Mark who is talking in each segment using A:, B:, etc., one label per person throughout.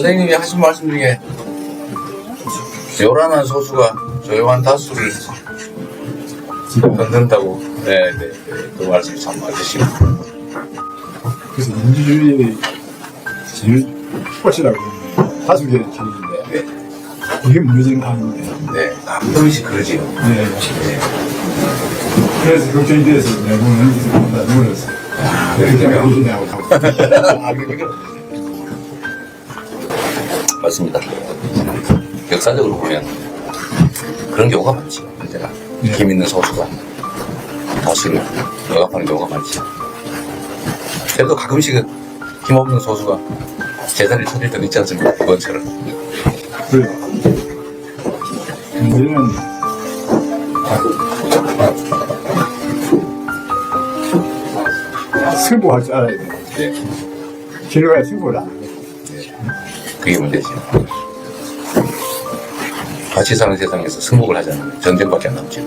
A: 선생님이 하신 말씀 중에 요란한 소수가 조용한 다수를 흔든다고. 네네. 그 말씀이 참 맞으시고.
B: 그래서 민주주의의 제일 꽃이라고 하는 다수결의 기능인데
A: 네.
B: 이게 무너지는 가는데
A: 네. 가끔씩 그러지요.
B: 네. 그래서 걱정이 돼서 내가 보면 나 누구였어. 그렇게 하고 가고.
A: 아, 그러니까. 맞습니다. 역사적으로 보면 그런 경우가 많지요. 언제나
B: 네.
A: 힘 있는 소수가 다수를 억압하는 경우가 많지요. 그래도 가끔씩은 힘없는 소수가 제자리를 찾을 때도 있지 않습니까? 그것처럼.
B: 그래요. 우리는 승부할 줄 알아야 돼.
A: 네.
B: 진로가 승부를 안 해.
A: 그게 문제지. 같이 사는 세상에서 승복을 하지 않으면 전쟁밖에 안 남죠.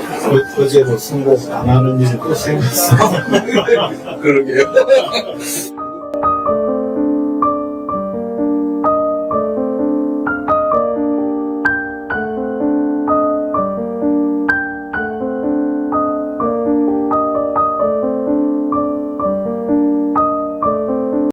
C: 어제도 승복 안 하는 일이 또 생겼어.
A: 그러게요.